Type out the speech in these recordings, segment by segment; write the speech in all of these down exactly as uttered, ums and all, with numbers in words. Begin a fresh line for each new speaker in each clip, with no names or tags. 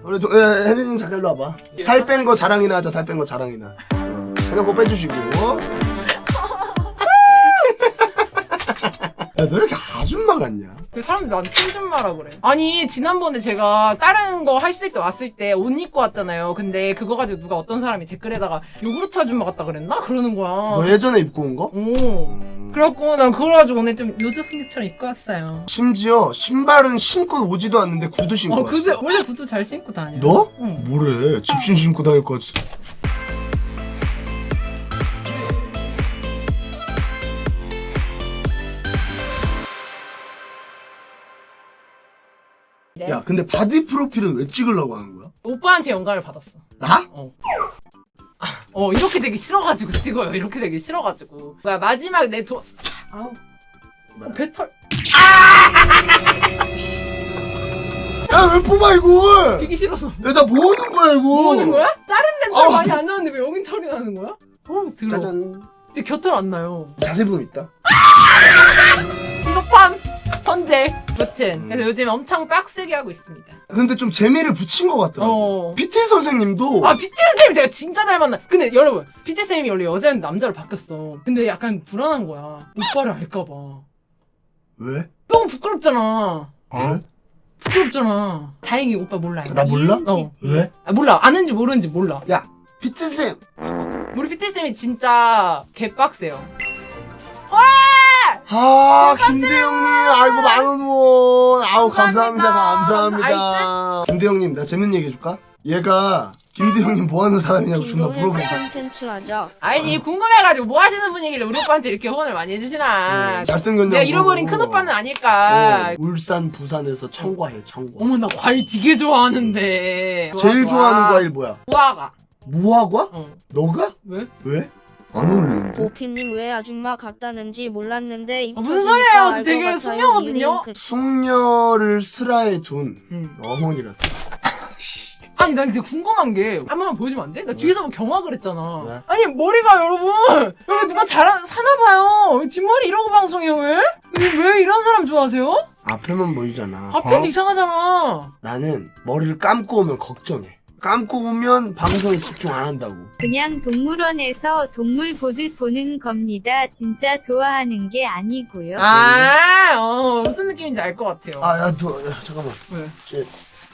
우리 도, 예, 혜린이 잠깐 일로 와봐. 살 뺀 거 자랑이나 하자. 살 뺀 거 자랑이나. 어. 그냥 꼭 빼주시고. 야, 너 이렇게 아줌마 같냐?
사람들이 나한테 핑좀마라 그래. 아니 지난번에 제가 다른 거 했을 때 왔을 때 옷 입고 왔잖아요. 근데 그거 가지고 누가 어떤 사람이 댓글에다가 요구르트 아줌마 같다 그랬나? 그러는 거야.
너 예전에 입고 온 거?
오.
음.
그래갖고 난 그걸 가지고 오늘 좀 요조승객처럼 입고 왔어요.
심지어 신발은 신고 오지도 않는데 구두 신고
어
왔어.
근데 원래 구두 잘 신고 다녀.
너?
응.
뭐래? 집신 신고 다닐 것 같아.
네.
야, 근데 바디 프로필은 왜 찍으려고 하는 거야?
오빠한테 영감을 받았어.
나?
어. 아, 어 이렇게 되기 싫어가지고 찍어요. 이렇게 되기 싫어가지고. 뭐야 마지막 내 도. 아우. 어, 배털.
야, 왜 뽑아 이걸?
비기 싫어서.
야, 나 뭐 하는 거야 이거?
뭐 하는 거야? 다른 데는 털
아.
많이 안 나는데 왜 여긴 털이 나는 거야? 어 들어.
짜잔.
근데 곁털 안 나요.
자세히 보면 있다.
이거판 선제. 여튼
음.
그래서 요즘 엄청 빡세게 하고 있습니다.
근데 좀 재미를 붙인 것 같더라고.
어.
피티 선생님도
아 피티 쌤 제가 진짜 잘 만나. 근데 여러분 피티 쌤이 원래 여자였는데 남자로 바뀌었어. 근데 약간 불안한 거야. 오빠를 알까봐.
왜?
너무 부끄럽잖아.
왜?
부끄럽잖아. 다행히 오빠 몰라.
나 몰라?
어.
왜?
아, 몰라. 아는지 모르는지 몰라.
야, 피티 쌤.
우리 피티 쌤이 진짜 개빡세요.
아, 김대영님, 아이고 만원 후원. 아우 감사합니다,
감사합니다.
감사합니다. 김대영님, 나 재밌는 얘기 해줄까? 얘가 김대영님 뭐 하는 사람이냐고 존나 물어보고.
콘텐츠 하자.
아니 궁금해가지고 뭐 하시는 분이길래 우리 오빠한테 이렇게 후원을 많이 해주시나.
어, 잘생겼냐고.
내가 잃어버린 큰 오빠는 아닐까.
어, 울산, 부산에서 청과해, 청과.
어머 나 과일 되게 좋아하는데.
제일
좋아,
좋아하는
좋아.
과일 뭐야?
무화과.
무화과?
어.
너가?
왜?
왜? 안 어울리는데?
오피님 왜 아줌마 같다는지 몰랐는데
아, 무슨 소리예요? 되게 숙녀거든요?
숙녀
숙녀를 슬하에 둔
응.
어머니라.
아니 난 이제 궁금한 게 한 번만 보여주면 안 돼? 나 뒤에서 뭐 경악을 했잖아.
왜?
아니 머리가 여러분 여기 누가 잘 사나봐요. 뒷머리 이러고 방송해요 왜? 왜 이런 사람 좋아하세요?
앞에만 보이잖아.
앞에도 이상하잖아.
나는 머리를 감고 오면 걱정해. 감고 오면 방송에 집중 안 한다고.
그냥 동물원에서 동물 보듯 보는 겁니다. 진짜 좋아하는 게 아니고요.
아, 어, 무슨 느낌인지 알 것 같아요.
아, 야, 너, 야, 잠깐만.
왜?
쟤,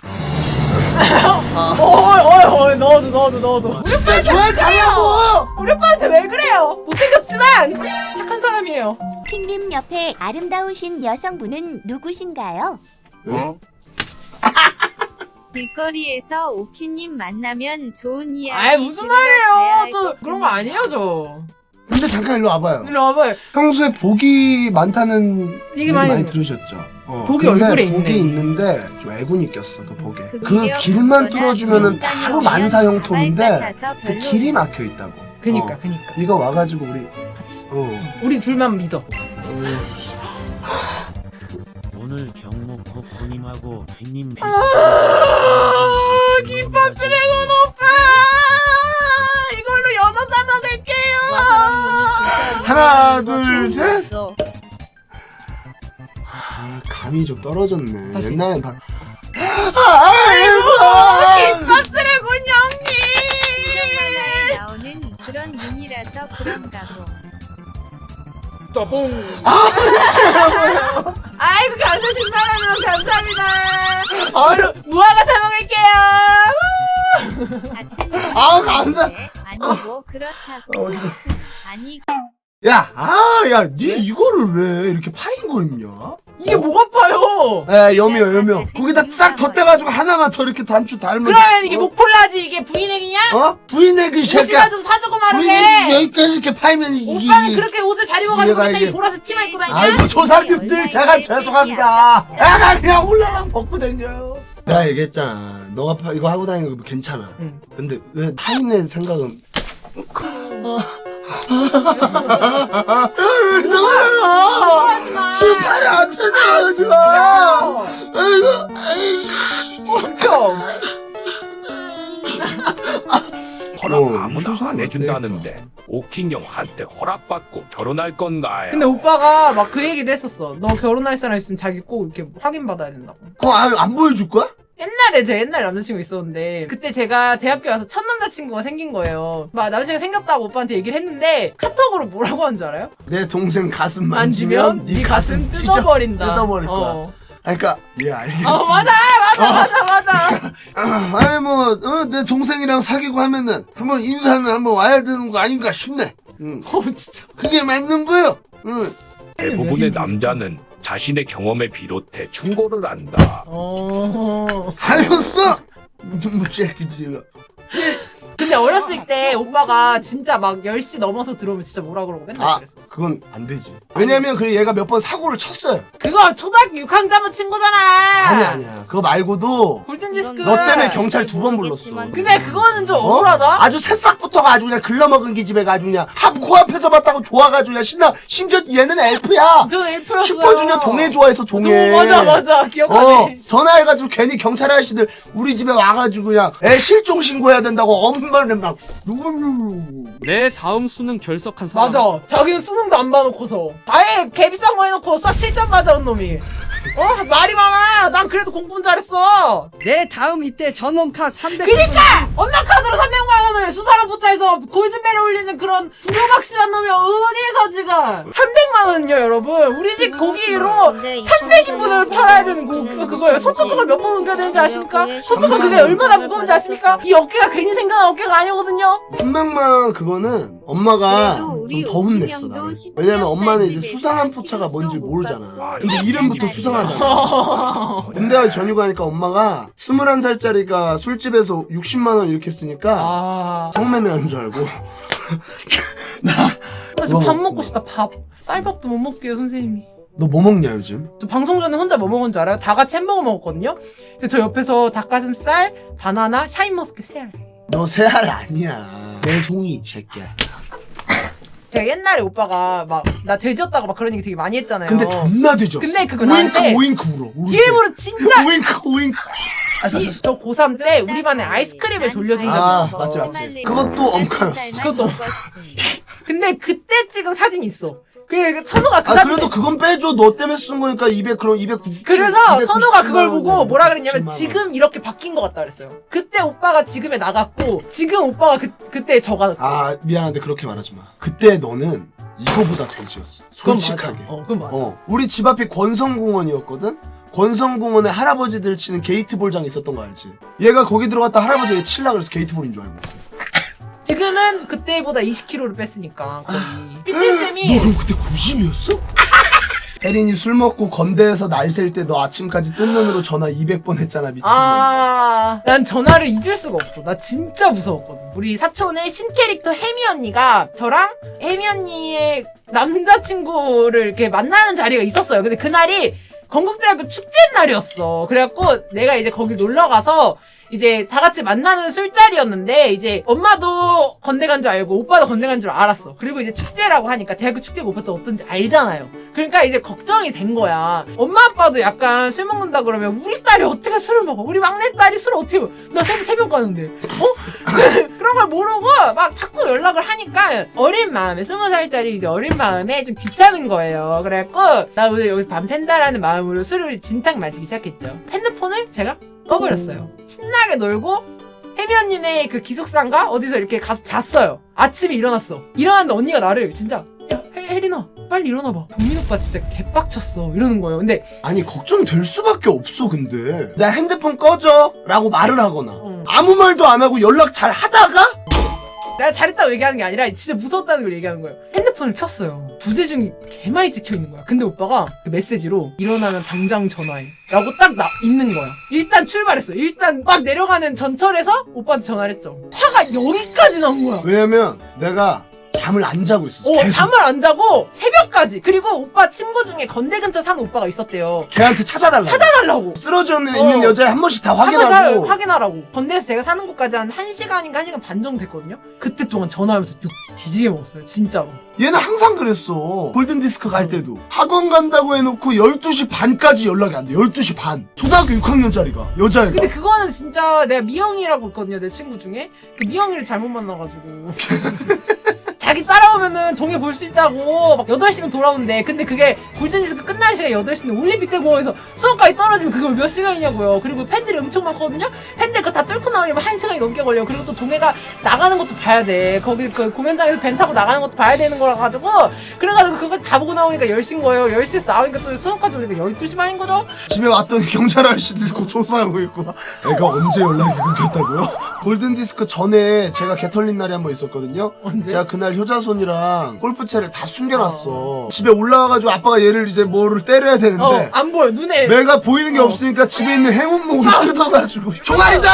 어이, 어이, 어이, 넣어도, 넣어도, 넣어도.
진짜 좋아하냐고!
우리 오빠한테 왜 그래요? 못생겼지만 착한 사람이에요.
핑님 옆에 아름다우신 여성분은 누구신가요?
어?
길거리에서 오키님 만나면 좋은 이야기
아이, 무슨
들으러 가야
말이에요?
할
저
것
그런 거 아니에요, 저.
근데 잠깐 일로 와봐요.
일로 와봐요.
평소에 복이 많다는
얘기
얘기
많이
많이,
들어.
들으셨죠? 어,
복이
근데
얼굴에
복이
있네.
있는데 좀 애군이 꼈어, 그 복에. 그
그거요,
길만
그거나
뚫어주면은
일단은
바로
그냥
만사형통인데
가발 같아서
그
별로.
길이 막혀 있다고.
그니까,
어.
그니까.
이거 와가지고 우리
같이.
어.
우리 둘만 믿어.
오늘 경목 코코님하고 팬님
아, 김밥 드래곤 오빠! 이걸로 연어 싸 먹을게요!
하나, 둘, 셋.
어
아, 감이 좀 떨어졌네.
다시.
옛날엔 다.
아이고, 김밥 드래곤 형님!
만화에 나오는 그런 눈이라서 그런가 보.
아이고, 감사 십만 원 감사합니다!
아유,
무화과 사 먹을게요!
같은
아우, 감사-
눈인데 아니고 그렇다고.
어지러워.
아니
야, 아, 야, 니 이거를 왜 이렇게 파인거리냐?
이게 뭐가 파요?
에, 여미요, 여미요. 거기다 싹 덧대가지고 하나만 더 이렇게 단추 달면.
그러면 이게
어?
목폴라지 이게 브이넥이냐?
어? 부인의 그 새끼야.
옷이라도 사주고
부인의
말하게!
여기까지 이렇게 팔면 이게.
오빠는 그렇게 옷을 잘 입어가지고
얘가
맨날
이게-
이 보라색 치마 입고 다니냐?
아이고, 저 사람들 제가 죄송합니다. 야, 나 그냥 올라랑 벗고 다녀요. 내가 얘기했잖아. 너가 파- 이거 하고 다니는 거 괜찮아.
응.
근데 왜 타인의 생각은. 술팔이 안 되냐, 지금. 아이고, 아이고.
허락
어,
아무나
무슨
안 해준다는데 오킹 형한테 허락받고 결혼할 건가요?
근데 오빠가 막 그 얘기도 했었어. 너 결혼할 사람 있으면 자기 꼭 이렇게 확인받아야 된다고.
그거 안, 안 보여줄 거야?
옛날에 제 옛날 남자친구 있었는데 그때 제가 대학교 와서 첫 남자친구가 생긴 거예요. 막 남자친구가 생겼다고 오빠한테 얘기를 했는데 카톡으로 뭐라고 하는 줄 알아요?
내 동생 가슴
만지면
만지면
네
네
가슴
가슴 찢어
뜯어버린다.
뜯어버릴 거야.
어.
아니, 그러니까 예 알겠습니다.
어 맞아 맞아 맞아 맞아.
아, 아니 뭐내 동생이랑 사귀고 하면은 한번 인사는 한번 와야 되는 거 아닌가 싶네. 응.
어 진짜.
그게 맞는 거요. 응.
대부분의 남자는 자신의 경험에 비롯해 충고를 한다.
어.
알겠어. 뭐 새끼들이가.
근데 어렸을 때 오빠가 진짜 막 열 시 넘어서 들어오면 진짜 뭐라 그러고 맨날
아
그랬었어.
그건 안 되지. 왜냐면 그래 얘가 몇 번 사고를 쳤어요.
그거 초등학교 육 학년 때문 친구잖아.
아니 아니야. 그거 말고도
골든디스크.
너 때문에 경찰 두 번 불렀어.
근데 그거는 좀
어?
억울하다.
아주 새싹부터가 아주 그냥 글러먹은 기집애가 아주 그냥 탑 코앞에서 봤다고 좋아가지고 그냥 신나. 심지어 얘는 엘프야.
저는 엘프였어요.
슈퍼주니어 동해 좋아해서 동해.
어, 맞아 맞아 기억하네.
어 전화해가지고 괜히 경찰 아저씨들 우리 집에 와가지고 그냥 애 실종 신고해야 된다고 엄마를 막
내 다음 수능 결석한 사람.
맞아. 자기는 수능도 안 봐놓고서 아예 개비싼 거 해놓고 싹 칠 점 맞아온 놈이. 어 말이 많아. 난 그래도 공부는 잘했어.
내 다음 이때 전원카 삼백.
그니까 엄마 카드로 삼백만 원을 수사랑 포차에서 골드벨에 올리는 그런 불효박씨한 놈이 어디에서 지금 삼백만 원은요 여러분. 우리 집 고기로 삼백 인분을 팔아야 되는 거 그, 그거예요. 소뚜껑을 몇 번 옮겨야 되는지 아십니까? 소뚜껑 그게 얼마나 무거운지 아십니까? 이 어깨가 괜히 생겨난 어깨가 아니거든요.
삼백만 원 그거는 엄마가
그래도
좀
우리
더 혼냈어
오승영도
나를.
십육
왜냐면 엄마는 이제
집에서
수상한 포차가
시집도
뭔지
못
모르잖아.
갔고
근데 이름부터
옛날에
수상하잖아. 군대 가기 전휴가니까 엄마가 스물한 살짜리가 술집에서 육십만 원 이렇게 쓰니까
아.
성매매한 줄 알고 나
나 지금
그거
밥
먹고.
먹고 싶다. 밥. 쌀밥도 못 먹게요 선생님이.
너 뭐 먹냐 요즘?
저 방송 전에 혼자 뭐 먹은 줄 알아요? 다 같이 햄버거 먹었거든요? 근데 저 옆에서 닭가슴살, 바나나, 샤인머스켓 세 알.
너 새 알 아니야. 내 송이 새끼야.
제가 옛날에 오빠가 막 나 돼지였다고 막 그런 얘기 되게 많이 했잖아요.
근데 존나 되죠.
근데 그거
오잉크
나한테
오잉크 울어. 울을 때.
뒤에부로 진짜
오잉크 오잉크. 아, 자, 자, 자.
저 고삼 때 우리 반에 아이스크림을 돌려준 적이
아,
있었어.
맞지, 맞지. 그것도 엄카였어.
그것도. 근데 그때 찍은 사진이 있어. 그 선우가 그
아
사진.
그래도 그건 빼줘. 너 때문에 쓴 거니까 이백 그럼 이백구십.
그래서 선우가 그걸 보고 뭐라
이백구십칠만
그랬냐면
원.
지금 이렇게 바뀐 것 같다 그랬어요. 그때 오빠가 지금에 나갔고 지금 오빠가 그 그때 저가.
아 미안한데 그렇게 말하지 마. 그때 너는 이거보다 돼지였어.
그건
솔직하게.
맞아. 어, 그건 맞아.
어, 우리 집 앞이 권성공원이었거든? 권성공원에 할아버지들 치는 게이트볼장 있었던 거 알지? 얘가 거기 들어갔다 할아버지 얘 칠라 그래서 게이트볼인 줄 알고.
지금은 그때보다 이십 킬로그램를 뺐으니까 거의.
너
삐삐쌤이
그럼 그때 구십이었어? 혜린이 술 먹고 건대에서 날 셀 때 너 아침까지 뜬 눈으로 전화 이백 번 했잖아 미친놈.
아, 난 전화를 잊을 수가 없어. 나 진짜 무서웠거든. 우리 사촌의 신캐릭터 혜미 언니가 저랑 혜미 언니의 남자친구를 이렇게 만나는 자리가 있었어요. 근데 그날이 건국대학교 축제 날이었어. 그래갖고 내가 이제 거기 놀러 가서 이제 다 같이 만나는 술자리였는데 이제 엄마도 건대 간 줄 알고 오빠도 건대 간 줄 알았어. 그리고 이제 축제라고 하니까 대학교 축제가 오빠도 어떤지 알잖아요. 그러니까 이제 걱정이 된 거야. 엄마 아빠도 약간 술 먹는다 그러면 우리 딸이 어떻게 술을 먹어? 우리 막내딸이 술을 어떻게 먹어? 나 새벽 새벽 가는데 어? 그런 걸 모르고 막 자꾸 연락을 하니까 어린 마음에 스무 살짜리 이제 어린 마음에 좀 귀찮은 거예요. 그래갖고 나 오늘 여기서 밤 샌다라는 마음으로 술을 진탕 마시기 시작했죠. 핸드폰을 제가 꺼버렸어요. 신나게 놀고 혜미 언니네 그 기숙사인가 어디서 이렇게 가서 잤어요. 아침에 일어났어. 일어났는데 언니가 나를 진짜 야 혜, 혜린아 빨리 일어나봐. 동민 오빠 진짜 개빡쳤어 이러는 거예요. 근데
아니 걱정될 수밖에 없어. 근데 나 핸드폰 꺼져 라고 말을 하거나
응.
아무 말도 안 하고 연락 잘 하다가
내가 잘했다고 얘기하는 게 아니라 진짜 무서웠다는 걸 얘기하는 거예요. 핸드폰을 켰어요. 부재중이 개많이 찍혀 있는 거야. 근데 오빠가 그 메시지로 일어나면 당장 전화해 라고 딱 나, 있는 거야. 일단 출발했어. 일단 막 내려가는 전철에서 오빠한테 전화를 했죠. 화가 여기까지 난 거야.
왜냐면 내가 잠을 안 자고 있었어.
어,
계속.
잠을 안 자고 새벽까지. 그리고 오빠 친구 중에 건대 근처 사는 오빠가 있었대요.
걔한테 찾아달라고.
찾아달라고.
쓰러져 있는
어.
여자애 한 번씩 다
한번
확인하고.
확인하라고. 건대에서 제가 사는 곳까지 한 1시간인가 한 시간 반 정도 됐거든요. 그때 동안 전화하면서 욕 뒤지게 먹었어요. 진짜로.
얘는 항상 그랬어. 골든디스크 갈 때도. 학원 간다고 해놓고 열두 시 반까지 연락이 안 돼. 열두 시 반. 초등학교 육 학년짜리가. 여자애가.
근데 그거는 진짜 내가 미영이라고 있거든요. 내 친구 중에. 그 미영이를 잘못 만나가지고. 자기 따라오면은 동해 볼 수 있다고 막 여덟 시면 돌아온대. 근데 그게 골든디스크 끝나는 시간이 여덟 시인데 올림픽 대공원에서 수업까지 떨어지면 그걸 몇 시간이냐고요. 그리고 팬들이 엄청 많거든요. 팬들 그거 다 뚫고 나오려면 한 시간이 넘게 걸려. 그리고 또 동해가 나가는 것도 봐야 돼. 거기 그 공연장에서 벤 타고 나가는 것도 봐야 되는 거라 가지고 그래가지고 그거 다 보고 나오니까 열 시인 거예요. 열 시에서 나오니까 또 수업까지 오니까 열두 시 반인 거죠.
집에 왔더니 경찰 아저씨 들고 조사하고 있고 애가 언제 연락이 끊겼다고요? 골든디스크 전에 제가 개 털린 날이 한 번 있었거든요.
언제?
제가 그날 효자손이랑 골프채를 다 숨겨놨어. 집에 올라와가지고 아빠가 얘를 이제 뭐를 때려야 되는데
어, 안 보여. 눈에.
내가 보이는 게
어.
없으니까 집에 있는 행운목을 뜯어가지고 종아리다!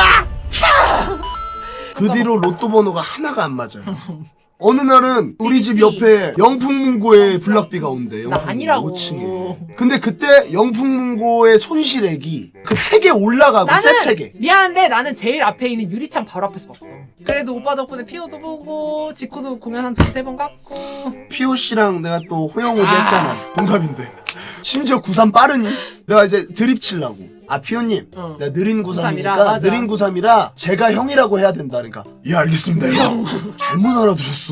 그 뒤로 로또 번호가 하나가 안 맞아요. 어느 날은 우리 집 옆에 영풍문고에 블락비가 온대.
나 아니라고.
오 층에. 근데 그때 영풍문고의 손실액이 그 책에 올라가고 새
나는
책에.
미안한데 나는 제일 앞에 있는 유리창 바로 앞에서 봤어. 그래도 오빠 덕분에 피오도 보고 지코도 공연 한 두세 번 갔고.
피오 씨랑 내가 또 호영오지
아.
했잖아. 동갑인데. 심지어 구삼 빠르니? 내가 이제 드립 치려고. 아 피오님,
어.
내가 느린
구삼이라,
구삼이니까
맞아.
느린 구삼이라 제가 형이라고 해야 된다. 그러니까 예 알겠습니다. 형. 잘못 알아들었어.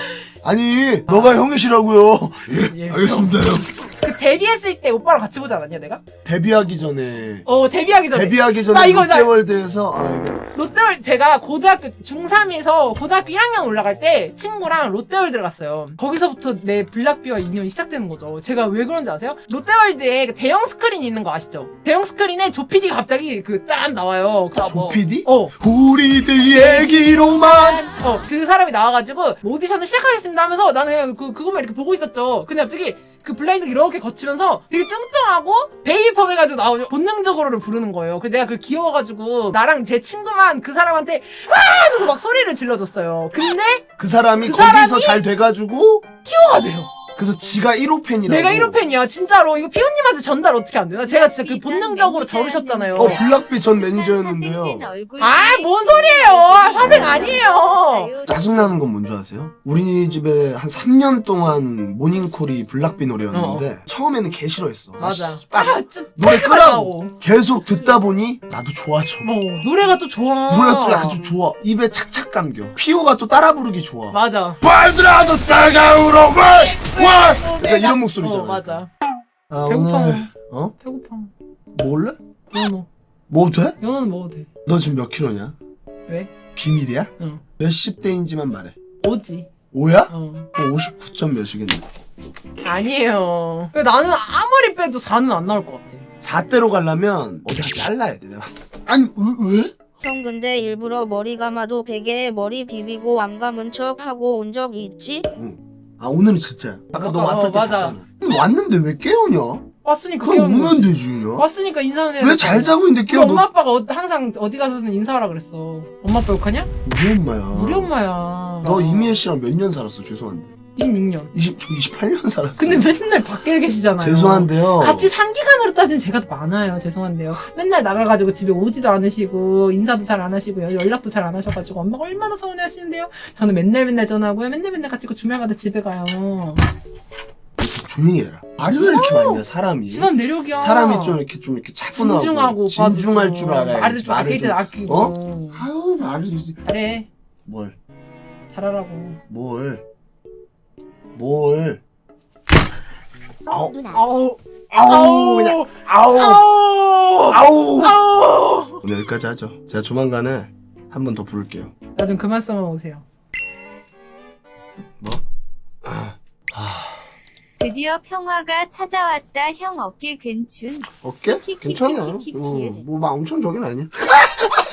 아니 너가 형이시라고요. 예,
예.
알겠습니다 형.
그 데뷔했을 때 오빠랑 같이 보지 않았냐 내가?
데뷔하기 전에
어 데뷔하기 전에.
데뷔하기
나
전에
이거 나-
롯데월드에서 아 이거
롯데월 제가 고등학교 중삼에서 고등학교 일 학년 올라갈 때 친구랑 롯데월드를 갔어요. 거기서부터 내 블락비와 인연이 시작되는 거죠. 제가 왜 그런지 아세요? 롯데월드에 그 대형 스크린이 있는 거 아시죠? 대형 스크린에 조피디가 갑자기 그 짠 나와요. 그 뭐-
조피디?
어.
우리들 얘기로만
어, 그 사람이 나와가지고 뭐 오디션을 시작하겠습니다 하면서 나는 그냥 그, 그것만 이렇게 보고 있었죠. 근데 갑자기 그 블라인드 이렇게 거치면서 되게 뚱뚱하고 베이비펌 해가지고 나오죠. 본능적으로를 부르는 거예요. 그래서 내가 그걸 귀여워가지고 나랑 제 친구만 그 사람한테 와 하면서 막 소리를 질러줬어요. 근데
그 사람이
그
거기서
사람이-
잘 돼가지고
키워가 돼요.
그래서 지가 일 호 팬이라고.
내가 일 호 팬이야 진짜로. 이거 피오님한테 전달 어떻게 안 되나? 제가 진짜 그 본능적으로 저르셨잖아요.
어 블락비 전 매니저였는데요.
아 뭔 소리예요. 사생 아니에요.
짜증나는 건 뭔지 아세요? 우리 집에 한 삼 년 동안 모닝콜이 블락비 노래였는데 처음에는 개 싫어했어.
맞아.
아,
아 진짜
노래
ፈል기만
끄라고
나오고.
계속 듣다 보니 나도 좋아져.
뭐 노래가 또 좋아.
노래가 또 아주 좋아. 입에 착착 감겨. 피오가 또 따라 부르기 좋아.
맞아.
발드라도 싸가우로 와! 와! 그러니까 이런 목소리잖아.
어 맞아.
아,
배고파.
오늘 어?
배고파.
먹을래?
연어.
뭐 돼?
연어는 먹어도 돼.
너 지금 몇 킬로냐?
왜?
비밀이야?
응.
몇십 대인지만 말해.
오지.
오야?
어.
오십구 점 몇이겠네.
아니에요. 나는 아무리 빼도 사는 안 나올 것 같아.
사 대로 가려면 어디 한 잘라야 돼. 내가 봤을 때. 아니 왜? 왜?
형 근데 일부러 머리 감아도 베개에 머리 비비고 안 감은 척 하고 온 적이 있지?
아 오늘은 진짜야. 아까 너
어,
왔을 때
맞아.
잤잖아. 근데 왔는데 왜 깨우냐?
왔으니까
그럼
깨우는
오면
거지.
되지 그냥.
왔으니까 인사는 해야
왜 잘 자고 있는데
우리
깨워?
엄마
너
아빠가 어, 항상 어디 가서는 인사하라 그랬어. 엄마 아빠 욕하냐?
우리 엄마야.
우리 엄마야.
너 이미애 씨랑 몇 년 살았어? 죄송한데.
이십육 년.
이십, 이십팔 년 살았어.
근데 맨날 밖에 계시잖아요.
죄송한데요.
같이 상기간으로 따지면 제가 더 많아요. 죄송한데요. 맨날 나가가지고 집에 오지도 않으시고 인사도 잘 안 하시고 연락도 잘 안 하셔가지고 엄마가 얼마나 서운해하시는데요. 저는 맨날 맨날 전화하고요. 맨날 맨날 같이 그 주말마다 집에 가요.
조용히 해라. 말이 왜 이렇게 많냐 사람이.
집안 내력이야.
사람이 좀 이렇게 좀 이렇게 차분하고
진중하고
진중할
오빠도.
줄 알아야지.
말을 좀 아낄 때
좀-
아끼고.
어? 아유 말을
잘해.
뭘?
잘하라고.
뭘? 뭘? 아우
누나.
아우.
아우 그냥 아우
아우.
아우.
아우.
오늘 여기까지 하죠. 제가 조만간에 한 번 더 부를게요.
나 좀 그만 써만 오세요.
뭐? 아,
드디어 평화가 찾아왔다. 형 어깨 괜춘.
어깨?
키키키키키키.
괜찮아. 어, 뭐막 엄청 저긴 아니야.